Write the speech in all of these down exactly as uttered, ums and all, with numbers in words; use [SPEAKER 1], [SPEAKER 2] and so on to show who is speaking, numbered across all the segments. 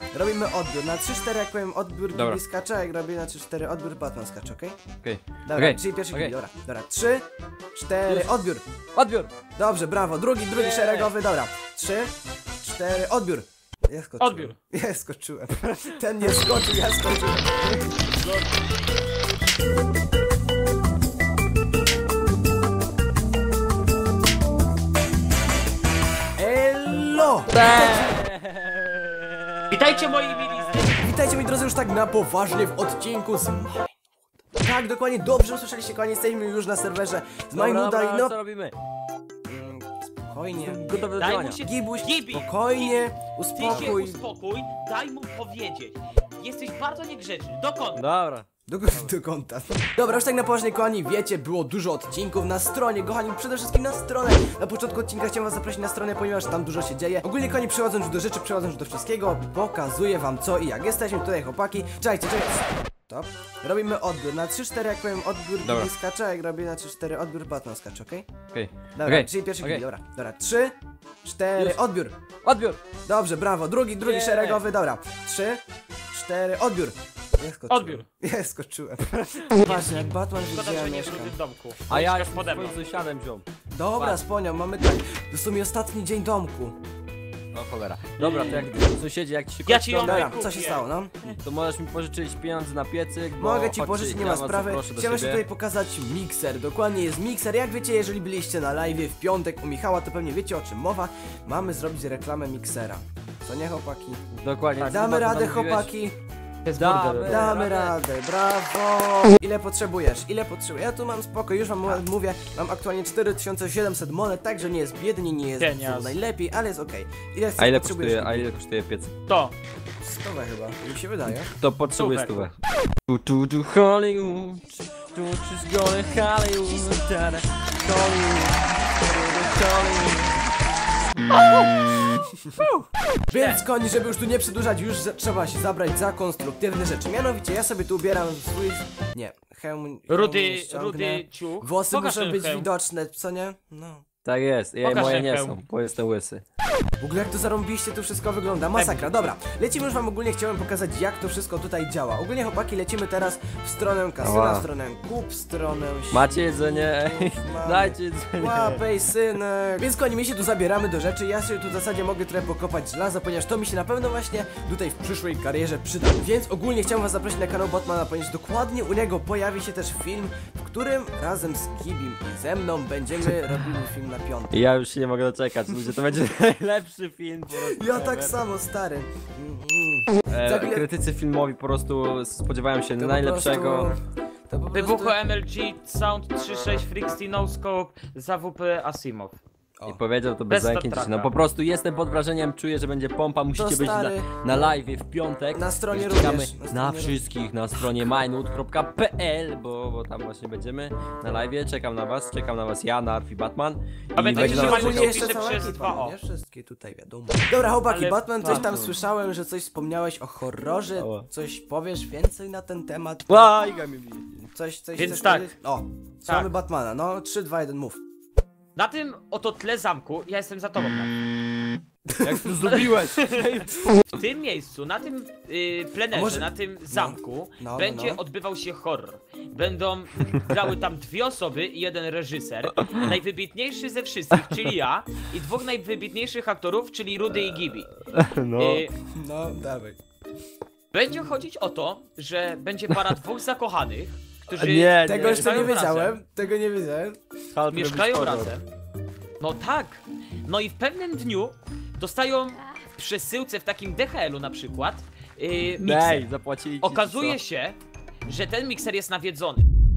[SPEAKER 1] robimy odbiór. Na trzy cztery jak powiem odbiór,
[SPEAKER 2] Dobra.
[SPEAKER 1] Gibi skacze, a jak robię na trzy cztery odbiór, Batman skacze, okej?
[SPEAKER 2] Okej.
[SPEAKER 1] Dobra,
[SPEAKER 2] Okej.
[SPEAKER 1] czyli pierwszy
[SPEAKER 2] Okej.
[SPEAKER 1] Gibi, dobra. Dobra, trzy, cztery, odbiór.
[SPEAKER 2] Odbiór!
[SPEAKER 1] Dobrze, brawo, drugi, drugi
[SPEAKER 2] Nie.
[SPEAKER 1] szeregowy, dobra. trzy, cztery, odbiór. Ja skoczyłem.
[SPEAKER 3] Odbiór.
[SPEAKER 1] Ja skoczyłem. Ten nie skoczył, ja skoczyłem. Elo!
[SPEAKER 3] Witajcie moi mili.
[SPEAKER 1] Witajcie moi drodzy już tak na poważnie w odcinku z Tak, dokładnie, dobrze usłyszeliście, kochani, jesteśmy już na serwerze z Majnuda i no...
[SPEAKER 2] co robimy?
[SPEAKER 1] Mm, Spokojnie.
[SPEAKER 2] Gotowe do
[SPEAKER 3] Daj
[SPEAKER 2] działania.
[SPEAKER 3] mu się...
[SPEAKER 1] Gibuś,
[SPEAKER 3] Gibi,
[SPEAKER 1] spokojnie,
[SPEAKER 3] Ty się
[SPEAKER 1] uspokój.
[SPEAKER 3] uspokój, daj mu powiedzieć. Jesteś bardzo niegrzeczny. Dokąd?
[SPEAKER 2] Dobra.
[SPEAKER 1] Do, do konta. Dobra, już tak na poważnie, kochani, wiecie, było dużo odcinków na stronie, kochani, przede wszystkim na stronę. Na początku odcinka chciałem was zaprosić na stronę, ponieważ tam dużo się dzieje. Ogólnie, kochani, przechodząc już do rzeczy, przechodząc już do wszystkiego, pokazuję wam co i jak. Jesteśmy tutaj, chłopaki. Czekajcie, czekajcie. Stop. Robimy odbiór. Na trzy cztery jak powiem odbiór,
[SPEAKER 2] Dobra.
[SPEAKER 1] Gibi skacze, a jak robię na trzy cztery odbiór, Batman skacze, okej?
[SPEAKER 2] Okej.
[SPEAKER 1] Dobra,
[SPEAKER 2] Okej.
[SPEAKER 1] czyli pierwszy
[SPEAKER 2] Okej.
[SPEAKER 1] Gibi, dobra. Dobra, trzy, cztery,
[SPEAKER 2] Już.
[SPEAKER 1] odbiór.
[SPEAKER 2] Odbiór!
[SPEAKER 1] Dobrze, brawo, drugi, drugi
[SPEAKER 2] Nie.
[SPEAKER 1] szeregowy, dobra. trzy, cztery, odbiór. Ja skoczyłem.
[SPEAKER 3] Odbiór.
[SPEAKER 1] Ja skoczyłem. Patrz, jak Batman
[SPEAKER 3] Szkoda,
[SPEAKER 1] widziałem,
[SPEAKER 3] że nie
[SPEAKER 1] mieszka.
[SPEAKER 3] byłby w domku.
[SPEAKER 2] A ja
[SPEAKER 3] Mieszkasz
[SPEAKER 2] już
[SPEAKER 3] pode mną.
[SPEAKER 2] swoim sąsiadem wziął.
[SPEAKER 1] Dobra,
[SPEAKER 2] Patrz.
[SPEAKER 1] sponiał, mamy tak. To jest mi ostatni dzień domku.
[SPEAKER 2] O cholera. Dobra, to jak sąsiedzi, jak ci się
[SPEAKER 3] Ja
[SPEAKER 2] kończy
[SPEAKER 3] ci ją
[SPEAKER 2] dom,
[SPEAKER 1] Dobra,
[SPEAKER 3] kupię.
[SPEAKER 1] co się stało, no?
[SPEAKER 2] to możesz mi pożyczyć pieniądze na piecyk, bo
[SPEAKER 1] Mogę ci
[SPEAKER 2] chodź,
[SPEAKER 1] pożyczyć, nie
[SPEAKER 2] ja
[SPEAKER 1] ma
[SPEAKER 2] was
[SPEAKER 1] sprawy.
[SPEAKER 2] zaproszę do
[SPEAKER 1] Chciałem się
[SPEAKER 2] siebie.
[SPEAKER 1] tutaj pokazać mikser. Dokładnie jest mikser. Jak wiecie, jeżeli byliście na live w piątek u Michała, to pewnie wiecie o czym mowa. Mamy zrobić reklamę miksera. Co nie, chłopaki?
[SPEAKER 2] Dokładnie. tak,
[SPEAKER 1] Damy
[SPEAKER 2] chyba
[SPEAKER 1] radę,
[SPEAKER 2] to mówiłeś.
[SPEAKER 1] chłopaki.
[SPEAKER 2] Damy,
[SPEAKER 1] Damy radę, brawo! Ile potrzebujesz? Ile potrzebujesz? Ja tu mam spoko, już wam mówię, mam aktualnie cztery tysiące siedemset monet, także nie jest biednie, nie jest
[SPEAKER 3] Pieniądz.
[SPEAKER 1] najlepiej, ale jest okej. Ile
[SPEAKER 2] A ile
[SPEAKER 1] potrzebujesz?
[SPEAKER 2] kosztuje, a ile kosztuje piecyk?
[SPEAKER 3] To.
[SPEAKER 1] Stówę chyba, mi się wydaje.
[SPEAKER 2] To potrzebuję
[SPEAKER 3] Super.
[SPEAKER 2] stówę. Tu tu tu Hollywood, tu she's going Hollywood, tada, Hollywood, Hollywood.
[SPEAKER 1] Więc koni, żeby już tu nie przedłużać, już za, trzeba się zabrać za konstruktywne rzeczy. Mianowicie ja sobie tu ubieram swój... Nie, hełm...
[SPEAKER 3] Rudy,
[SPEAKER 1] hełm ściągnę.
[SPEAKER 3] rudy ciuch.
[SPEAKER 1] Włosy
[SPEAKER 3] Pokaż
[SPEAKER 1] muszą
[SPEAKER 3] ten
[SPEAKER 1] być
[SPEAKER 3] hełm.
[SPEAKER 1] widoczne, co nie? No.
[SPEAKER 2] Tak jest, ja,
[SPEAKER 3] Pokaż
[SPEAKER 2] moje
[SPEAKER 3] ten
[SPEAKER 2] nie
[SPEAKER 3] hełm.
[SPEAKER 2] są, bo jestem łysy.
[SPEAKER 1] W ogóle jak to zarąbiście tu wszystko wygląda, masakra. Dobra, lecimy już wam ogólnie, chciałem pokazać jak to wszystko tutaj działa. Ogólnie chłopaki, lecimy teraz w stronę kasyna,
[SPEAKER 2] Ała.
[SPEAKER 1] w stronę kup, w stronę...
[SPEAKER 2] Macie jedzenie?
[SPEAKER 1] Mamy.
[SPEAKER 2] Dajcie jedzenie.
[SPEAKER 1] Łapej, synek. Więc koni, my się tu zabieramy do rzeczy. Ja sobie tu w zasadzie mogę trochę pokopać żelaza, ponieważ to mi się na pewno właśnie tutaj w przyszłej karierze przyda. Więc ogólnie chciałem was zaprosić na kanał Batmana, ponieważ dokładnie u niego pojawi się też film, w którym razem z Gibim i ze mną będziemy robili film na piątek.
[SPEAKER 2] Ja już się nie mogę doczekać, ludzie, to będzie najlepszy film po prostu.
[SPEAKER 1] Ja tak
[SPEAKER 2] ever.
[SPEAKER 1] samo, stary. Mm, mm. Za
[SPEAKER 2] E,
[SPEAKER 1] chwilę-
[SPEAKER 2] krytycy filmowi po prostu spodziewają się
[SPEAKER 1] To po
[SPEAKER 2] najlepszego.
[SPEAKER 1] prostu- to po
[SPEAKER 3] Wybucho
[SPEAKER 1] prostu-
[SPEAKER 3] M L G Sound trzy sześć Frixty No Scope za W P Asimov.
[SPEAKER 2] I powiedział to bez
[SPEAKER 3] Bez
[SPEAKER 2] zamknięcia.
[SPEAKER 3] Star
[SPEAKER 2] No
[SPEAKER 3] Treka.
[SPEAKER 2] po prostu jestem pod wrażeniem, czuję, że będzie pompa, musicie być na,
[SPEAKER 1] stary.
[SPEAKER 2] na live w piątek.
[SPEAKER 1] Na stronie
[SPEAKER 2] Czekamy
[SPEAKER 1] również, na
[SPEAKER 2] na,
[SPEAKER 1] stronie
[SPEAKER 2] wszystkich na stronie majnut kropka p l, bo, bo tam właśnie będziemy na live. Czekam na was, czekam na was ja, Narf i Batman.
[SPEAKER 3] Pamiętajcie,
[SPEAKER 2] będzie
[SPEAKER 3] że
[SPEAKER 2] na was
[SPEAKER 3] Majnut
[SPEAKER 2] czekał.
[SPEAKER 1] jeszcze
[SPEAKER 3] pisze
[SPEAKER 1] cała
[SPEAKER 3] przez
[SPEAKER 1] ekipa,
[SPEAKER 3] dwa O.
[SPEAKER 1] nie? Wszystkie tutaj wiadomo. Dobra, chłopaki,
[SPEAKER 3] Ale
[SPEAKER 1] Batman, coś tam
[SPEAKER 2] Batman.
[SPEAKER 1] słyszałem, że coś wspomniałeś o horrorze.
[SPEAKER 2] Ała.
[SPEAKER 1] Coś powiesz więcej na ten temat?
[SPEAKER 2] Łajga mi bije.
[SPEAKER 1] Coś, coś
[SPEAKER 3] Więc
[SPEAKER 1] chcesz
[SPEAKER 3] tak.
[SPEAKER 1] powiedzieć? O,
[SPEAKER 3] Tak.
[SPEAKER 1] słuchamy Batmana, no trzy, dwa, jeden, mów.
[SPEAKER 3] Na tym oto tle zamku, ja jestem za tobą. tak.
[SPEAKER 2] Jak to zrobiłeś?
[SPEAKER 3] W tym miejscu, na tym y, plenerze,
[SPEAKER 1] A może-
[SPEAKER 3] na tym zamku
[SPEAKER 1] no, no,
[SPEAKER 3] będzie
[SPEAKER 1] no.
[SPEAKER 3] odbywał się horror. Będą grały tam dwie osoby i jeden reżyser, najwybitniejszy ze wszystkich, czyli ja, i dwóch najwybitniejszych aktorów, czyli Rudy i Gibi.
[SPEAKER 2] No.
[SPEAKER 3] Y,
[SPEAKER 1] No, dawaj.
[SPEAKER 3] będzie chodzić o to, że będzie para dwóch zakochanych, którzy
[SPEAKER 2] Nie,
[SPEAKER 1] Tego jeszcze nie
[SPEAKER 3] mieszkają
[SPEAKER 1] wiedziałem,
[SPEAKER 3] razem.
[SPEAKER 1] tego nie wiedziałem.
[SPEAKER 2] Hulk
[SPEAKER 3] Mieszkają
[SPEAKER 2] robić horror.
[SPEAKER 3] razem. No tak. No i w pewnym dniu dostają w przesyłce w takim D H L-u na przykład yy, mikser.
[SPEAKER 2] Daj, zapłacili ci,
[SPEAKER 3] Okazuje
[SPEAKER 2] co?
[SPEAKER 3] się, że ten mikser jest nawiedzony.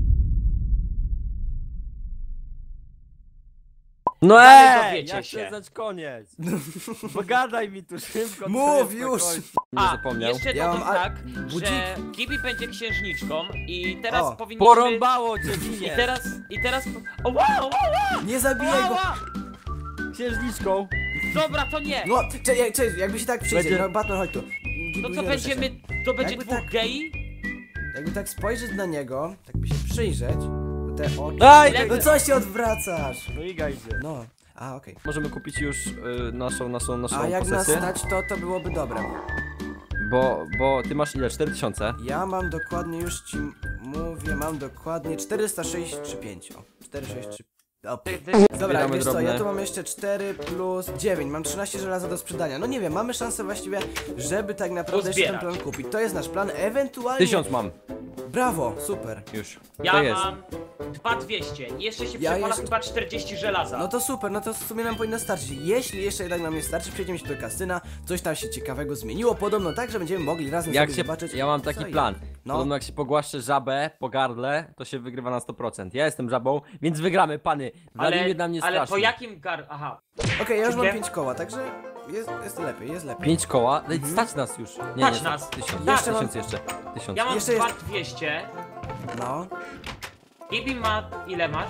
[SPEAKER 2] No
[SPEAKER 3] Ale
[SPEAKER 2] ej,
[SPEAKER 3] dowiecie
[SPEAKER 2] ja
[SPEAKER 3] się.
[SPEAKER 2] chcę znać koniec. Pogadaj mi tu szybko.
[SPEAKER 1] Mów
[SPEAKER 2] teraz
[SPEAKER 1] już.
[SPEAKER 2] spokojnie. Nie
[SPEAKER 3] A,
[SPEAKER 2] zapomniał.
[SPEAKER 3] jeszcze
[SPEAKER 1] Ja
[SPEAKER 3] dodam
[SPEAKER 1] mam a-
[SPEAKER 3] tak,
[SPEAKER 1] budzik.
[SPEAKER 3] że Gibi będzie księżniczką i teraz
[SPEAKER 1] O,
[SPEAKER 3] powinniśmy...
[SPEAKER 2] Porąbało cię,
[SPEAKER 3] I
[SPEAKER 2] winie.
[SPEAKER 3] teraz, i teraz... O, wow, wow, wow,
[SPEAKER 1] Nie zabijaj
[SPEAKER 3] wow,
[SPEAKER 1] go.
[SPEAKER 3] wow.
[SPEAKER 2] Księżniczką.
[SPEAKER 3] Dobra, to nie.
[SPEAKER 1] No, czekaj, czekaj, jakby się tak przyjdzie,
[SPEAKER 2] Będzie-
[SPEAKER 1] no Batman, chodź tu.
[SPEAKER 3] To
[SPEAKER 1] Gibuś,
[SPEAKER 3] co
[SPEAKER 1] nie ruszaj się.
[SPEAKER 3] będziemy... To będzie
[SPEAKER 1] Jakby
[SPEAKER 3] dwóch
[SPEAKER 1] tak-
[SPEAKER 3] gei?
[SPEAKER 1] Jakby tak spojrzeć na niego, tak by się przyjrzeć, to te oczy...
[SPEAKER 2] Aj,
[SPEAKER 3] Lewy-
[SPEAKER 1] No co się odwracasz?
[SPEAKER 2] No Iga idzie.
[SPEAKER 1] No, a okej.
[SPEAKER 2] Możemy kupić już y, naszą, naszą, naszą
[SPEAKER 1] A jak nas
[SPEAKER 2] posesję.
[SPEAKER 1] stać, to to byłoby dobre.
[SPEAKER 2] bo, bo ty masz ile? cztery tysiące?
[SPEAKER 1] Ja mam dokładnie, już ci mówię, mam dokładnie czterysta sześćdziesiąt pięć. O, czterysta sześćdziesiąt trzy. O,
[SPEAKER 3] Ty- ty-
[SPEAKER 1] Dobra,
[SPEAKER 2] Zbieramy
[SPEAKER 1] wiesz co,
[SPEAKER 2] drobne.
[SPEAKER 1] ja tu mam jeszcze cztery plus dziewięć, mam trzynaście żelaza do sprzedania. No nie wiem, mamy szansę właściwie, żeby tak naprawdę jeszcze ten
[SPEAKER 3] Uzbierać.
[SPEAKER 1] plan kupić. To jest nasz plan, ewentualnie...
[SPEAKER 2] Tysiąc mam.
[SPEAKER 1] Brawo, super.
[SPEAKER 2] Już.
[SPEAKER 3] Ja
[SPEAKER 2] to jest.
[SPEAKER 3] mam dwa dwieście. Jeszcze się
[SPEAKER 1] Ja
[SPEAKER 3] przepala
[SPEAKER 1] jeszcze-
[SPEAKER 3] chyba czterdzieści żelaza.
[SPEAKER 1] No to super, no to w sumie nam powinno starczyć. Jeśli jeszcze jednak nam nie starczy, przejdziemy się do kasyna, coś tam się ciekawego zmieniło, podobno tak, że będziemy mogli razem
[SPEAKER 2] Jak
[SPEAKER 1] sobie
[SPEAKER 2] się,
[SPEAKER 1] zobaczyć.
[SPEAKER 2] ja mam
[SPEAKER 1] co
[SPEAKER 2] taki
[SPEAKER 1] i
[SPEAKER 2] plan.
[SPEAKER 1] jak. No.
[SPEAKER 2] Podobno jak się pogłaszcze żabę po gardle, to się wygrywa na sto procent. Ja jestem żabą, więc wygramy, pany. Wladimir
[SPEAKER 3] ale,
[SPEAKER 2] na mnie
[SPEAKER 3] ale po
[SPEAKER 2] strasznie.
[SPEAKER 3] jakim gar... Aha.
[SPEAKER 1] Okej, ja już mam
[SPEAKER 3] Czy
[SPEAKER 1] pięć koła, także jest, jest lepiej, jest lepiej.
[SPEAKER 2] Pięć koła? No i stać nas już. Nie,
[SPEAKER 3] Stać
[SPEAKER 2] nie,
[SPEAKER 3] nas.
[SPEAKER 2] Tysiąc,
[SPEAKER 3] Tak.
[SPEAKER 2] jeszcze,
[SPEAKER 1] Jeszcze
[SPEAKER 2] tysiąc jeszcze. Tysiąc.
[SPEAKER 3] Ja mam
[SPEAKER 1] Jeszcze
[SPEAKER 3] dwa
[SPEAKER 1] jest-
[SPEAKER 3] dwieście.
[SPEAKER 1] No.
[SPEAKER 3] Gibi ma... ile masz?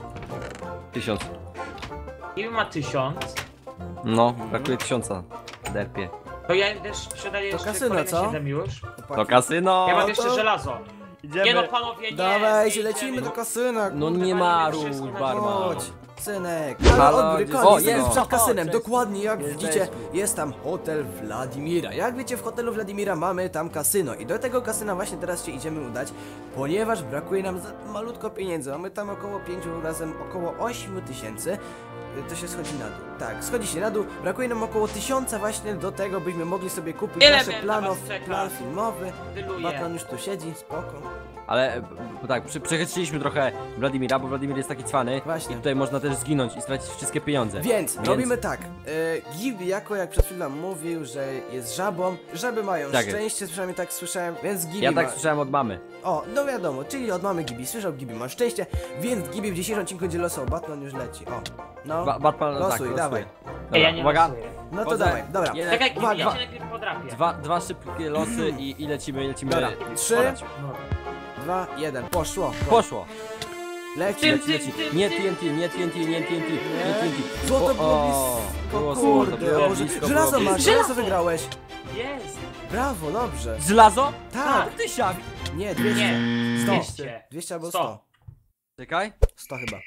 [SPEAKER 2] Tysiąc.
[SPEAKER 3] Gibi ma tysiąc.
[SPEAKER 2] No, brakuje tysiąca. Derpie.
[SPEAKER 3] To ja też sprzedaję jeszcze
[SPEAKER 1] kasyno,
[SPEAKER 3] kolejne
[SPEAKER 1] co?
[SPEAKER 3] siedem już.
[SPEAKER 2] To kasyno!
[SPEAKER 3] Ja mam
[SPEAKER 1] to-
[SPEAKER 3] jeszcze żelazo.
[SPEAKER 2] Idziemy.
[SPEAKER 3] Nie no panowie, nie.
[SPEAKER 1] Dawajcie,
[SPEAKER 3] nie
[SPEAKER 1] lecimy
[SPEAKER 3] idziemy.
[SPEAKER 1] do kasyna.
[SPEAKER 2] No
[SPEAKER 1] kurde.
[SPEAKER 2] nie
[SPEAKER 3] walimy
[SPEAKER 2] maruj,
[SPEAKER 3] wszystko na
[SPEAKER 2] barman.
[SPEAKER 1] Chodź, synek. Ale
[SPEAKER 2] Halo,
[SPEAKER 1] odbiór,
[SPEAKER 2] gdzie-
[SPEAKER 1] koniec,
[SPEAKER 2] O,
[SPEAKER 1] jesteśmy
[SPEAKER 2] jest.
[SPEAKER 1] przed
[SPEAKER 2] O,
[SPEAKER 1] kasynem,
[SPEAKER 2] cześć.
[SPEAKER 1] dokładnie jak
[SPEAKER 2] Jesteśmy.
[SPEAKER 1] widzicie, jest tam hotel Wladimira. Jak wiecie, w hotelu Wladimira mamy tam kasyno i do tego kasyna właśnie teraz się idziemy udać, ponieważ brakuje nam za malutko pieniędzy. Mamy tam około pięciu, razem około ośmiu tysięcy. To się schodzi na dół. Tak, schodzi się na dół. Brakuje nam około tysiąca właśnie do tego, byśmy mogli sobie kupić
[SPEAKER 3] Ile
[SPEAKER 1] nasze
[SPEAKER 3] mnie na
[SPEAKER 1] planow,
[SPEAKER 3] was czeka?
[SPEAKER 1] plan filmowy.
[SPEAKER 3] Wyluję.
[SPEAKER 1] Batman już tu siedzi, spoko.
[SPEAKER 2] Ale b- tak, przy, przechytrzyliśmy trochę Wladimira, bo Wladimir jest taki cwany.
[SPEAKER 1] Właśnie.
[SPEAKER 2] I tutaj można też zginąć i stracić wszystkie pieniądze.
[SPEAKER 1] Więc, robimy tak. E, Gibi, jako jak przed chwilą mówił, że jest żabą. Żaby mają
[SPEAKER 2] Tak jest.
[SPEAKER 1] szczęście, przynajmniej tak słyszałem, więc Gibi
[SPEAKER 2] Ja
[SPEAKER 1] ma...
[SPEAKER 2] tak słyszałem od mamy.
[SPEAKER 1] O, no wiadomo, czyli od mamy Gibi słyszał, Gibi ma szczęście, więc Gibi w dzisiejszym odcinku będzie losował. Batman już leci. O, no.
[SPEAKER 2] Ba Batman,
[SPEAKER 1] Losuj,
[SPEAKER 2] tak, losuje.
[SPEAKER 1] dawaj.
[SPEAKER 2] Dobra,
[SPEAKER 3] Ej, ja nie
[SPEAKER 2] uwaga.
[SPEAKER 3] losuję.
[SPEAKER 1] No to
[SPEAKER 2] Wchodzę.
[SPEAKER 1] dawaj, dobra.
[SPEAKER 2] Jeden,
[SPEAKER 3] Czekaj, Gibi,
[SPEAKER 1] Uwaga.
[SPEAKER 3] ja cię najpierw podrapię.
[SPEAKER 2] Dwa, dwa szybkie losy i, i lecimy, lecimy.
[SPEAKER 1] Dobra, trzy.
[SPEAKER 2] podać.
[SPEAKER 3] No.
[SPEAKER 1] Dwa, jeden, poszło.
[SPEAKER 2] Poszło.
[SPEAKER 1] Leci,
[SPEAKER 3] Tym,
[SPEAKER 1] leci.
[SPEAKER 2] Leci, leci. Nie T N T, nie T N T, nie T N T, nie T N T.
[SPEAKER 1] Złoto
[SPEAKER 2] O,
[SPEAKER 1] było
[SPEAKER 2] o,
[SPEAKER 1] blisko,
[SPEAKER 2] było złoto,
[SPEAKER 1] kurde,
[SPEAKER 2] było
[SPEAKER 1] Boże.
[SPEAKER 2] blisko,
[SPEAKER 1] Żelazo
[SPEAKER 2] było
[SPEAKER 1] masz,
[SPEAKER 2] blisko.
[SPEAKER 1] żelazo wygrałeś.
[SPEAKER 3] Jest.
[SPEAKER 1] Brawo, dobrze.
[SPEAKER 2] Żelazo?
[SPEAKER 1] Tak.
[SPEAKER 2] Tysiak.
[SPEAKER 1] Nie, dwieście.
[SPEAKER 3] Nie.
[SPEAKER 1] sto.
[SPEAKER 3] dwieście.
[SPEAKER 1] dwieście albo
[SPEAKER 3] sto.
[SPEAKER 1] sto.
[SPEAKER 2] Czekaj.
[SPEAKER 1] sto chyba.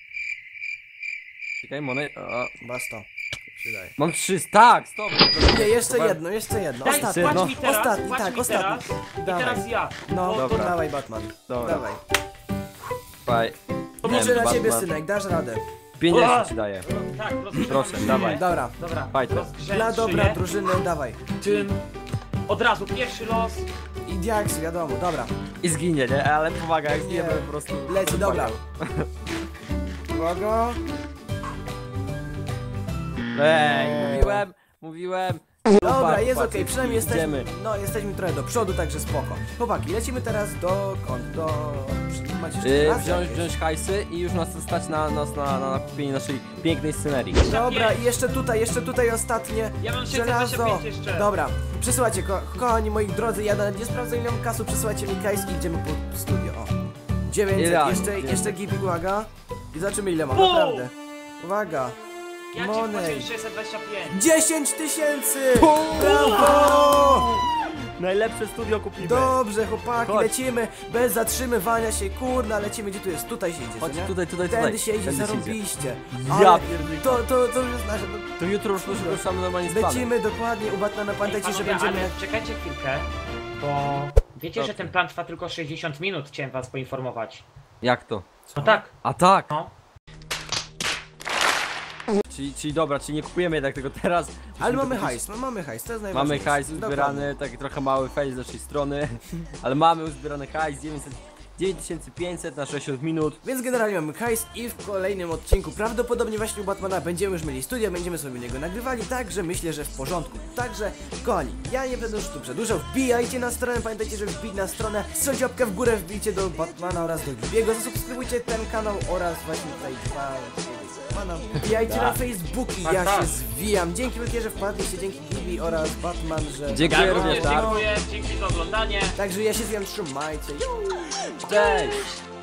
[SPEAKER 2] Czekaj, monet. O,
[SPEAKER 1] Chyba sto. Przydaje.
[SPEAKER 2] mam trzysta, tak, stop.
[SPEAKER 1] Nie, jeszcze jedno, jeszcze jedno.
[SPEAKER 3] Daj,
[SPEAKER 1] Ostatni.
[SPEAKER 3] płacz
[SPEAKER 2] no.
[SPEAKER 3] mi teraz,
[SPEAKER 1] Ostatni,
[SPEAKER 3] płacz
[SPEAKER 1] tak,
[SPEAKER 3] mi
[SPEAKER 1] ostatni.
[SPEAKER 3] teraz. I
[SPEAKER 1] Dawaj.
[SPEAKER 3] teraz ja.
[SPEAKER 1] No,
[SPEAKER 3] Bo-
[SPEAKER 2] Dobra.
[SPEAKER 1] dawaj Batman.
[SPEAKER 2] Dobra.
[SPEAKER 1] Dawaj.
[SPEAKER 2] Faj.
[SPEAKER 1] Liczę na
[SPEAKER 2] Batman.
[SPEAKER 1] ciebie, synek, dasz radę.
[SPEAKER 2] pięćdziesiąt ci daję.
[SPEAKER 3] Tak, rozgrzewam
[SPEAKER 2] Proszę,
[SPEAKER 3] szyję.
[SPEAKER 2] dawaj.
[SPEAKER 1] Dobra.
[SPEAKER 3] Dobra,
[SPEAKER 2] Fajter.
[SPEAKER 3] rozgrzewam
[SPEAKER 1] Dla dobra
[SPEAKER 3] szyję.
[SPEAKER 1] drużyny, dawaj.
[SPEAKER 3] Tym. Od razu pierwszy los.
[SPEAKER 1] I diaks, wiadomo, dobra.
[SPEAKER 2] I zginie, nie? Ale pomaga, jak zginie,
[SPEAKER 1] Nie.
[SPEAKER 2] to po prostu...
[SPEAKER 1] Leci, dobra. Uwaga.
[SPEAKER 2] Ej, mówiłem, mówiłem.
[SPEAKER 1] Dobra,
[SPEAKER 2] Chłopak,
[SPEAKER 1] jest
[SPEAKER 2] chłopacy,
[SPEAKER 1] okej, przynajmniej jesteśmy,
[SPEAKER 2] idziemy.
[SPEAKER 1] no jesteśmy trochę do przodu, także spoko. Chłopaki, lecimy teraz do kąt, do... Macie jeszcze
[SPEAKER 2] Yy,
[SPEAKER 1] raz
[SPEAKER 2] wziąć,
[SPEAKER 1] jakieś?
[SPEAKER 2] wziąć hajsy i już nas stać na, nas na, na kupienie naszej pięknej scenerii.
[SPEAKER 1] Dobra, i jeszcze tutaj, jeszcze tutaj ostatnie
[SPEAKER 3] Ja mam sześćset dwadzieścia
[SPEAKER 1] żelazo.
[SPEAKER 3] pięć jeszcze.
[SPEAKER 1] Dobra, przesyłajcie, ko kochani moi drodzy, ja nawet nie sprawdzę ile mam kasu, przesyłajcie mi kajs i idziemy po studio, o. dziewięćset,
[SPEAKER 2] Idealnie,
[SPEAKER 1] jeszcze,
[SPEAKER 2] dziewięćset.
[SPEAKER 1] jeszcze gibi, uwaga. I zobaczymy ile mam,
[SPEAKER 3] Bum!
[SPEAKER 1] naprawdę. Uwaga.
[SPEAKER 3] Ja ci
[SPEAKER 1] Monej.
[SPEAKER 3] wpłaciłem sześćset dwadzieścia pięć.
[SPEAKER 1] dziesięć tysięcy!
[SPEAKER 2] Bum!
[SPEAKER 1] Brawo!
[SPEAKER 2] Najlepsze studio kupimy.
[SPEAKER 1] Dobrze, chłopaki,
[SPEAKER 2] Chodź.
[SPEAKER 1] lecimy bez zatrzymywania się, kurna, lecimy, gdzie tu jest? Tutaj się idzie,
[SPEAKER 2] Chodź,
[SPEAKER 1] co nie?
[SPEAKER 2] tutaj, tutaj, tutaj.
[SPEAKER 1] Tędy się idzie,
[SPEAKER 2] Tędy się
[SPEAKER 1] zarobiście.
[SPEAKER 2] Ja
[SPEAKER 1] Ale
[SPEAKER 2] pierdolę.
[SPEAKER 1] to, to, to już jest nasze,
[SPEAKER 2] To jutro już już ruszamy normalnie z planem.
[SPEAKER 1] lecimy dokładnie u Batmana, pamiętajcie, że
[SPEAKER 3] Panowie,
[SPEAKER 1] będziemy...
[SPEAKER 3] ale czekajcie chwilkę, bo wiecie,
[SPEAKER 2] Dobrze.
[SPEAKER 3] że ten plan trwa tylko sześćdziesiąt minut, chciałem was poinformować.
[SPEAKER 2] Jak to?
[SPEAKER 3] No tak,
[SPEAKER 2] A tak!
[SPEAKER 3] no.
[SPEAKER 2] Czyli, czyli dobra, czyli nie kupujemy jednak tego teraz.
[SPEAKER 1] Ale
[SPEAKER 2] Musimy
[SPEAKER 1] mamy
[SPEAKER 2] kupić-
[SPEAKER 1] hajs, no mamy hajs, to jest
[SPEAKER 2] Mamy
[SPEAKER 1] najważniejsze.
[SPEAKER 2] hajs
[SPEAKER 1] Dokładnie.
[SPEAKER 2] uzbierany, taki trochę mały face z naszej strony, ale mamy uzbierany hajs, dziewięćset dziewięć tysięcy pięćset na sześćdziesiąt minut.
[SPEAKER 1] Więc generalnie mamy hajs i w kolejnym odcinku prawdopodobnie właśnie u Batmana będziemy już mieli studia, będziemy sobie u niego nagrywali, także myślę, że w porządku. Także, kochani, ja nie będę już tu przedłużał, wbijajcie na stronę, pamiętajcie, żeby wbić na stronę, strzelcie łapkę w górę, wbijcie do Batmana oraz do Gibiego, zasubskrybujcie ten kanał oraz właśnie tutaj dwa... Batmana. Wbijajcie na Facebooki,
[SPEAKER 3] Tak,
[SPEAKER 1] ja
[SPEAKER 3] tak.
[SPEAKER 1] się zwijam. Dzięki wielkie, że wpadliście, dzięki Gibi oraz Batman, że...
[SPEAKER 2] Dziękuję
[SPEAKER 3] Ja
[SPEAKER 2] również,
[SPEAKER 3] również
[SPEAKER 2] tak?
[SPEAKER 3] dziękuję, dzięki za oglądanie.
[SPEAKER 1] Także ja się zwijam, trzymajcie.
[SPEAKER 2] Cześć!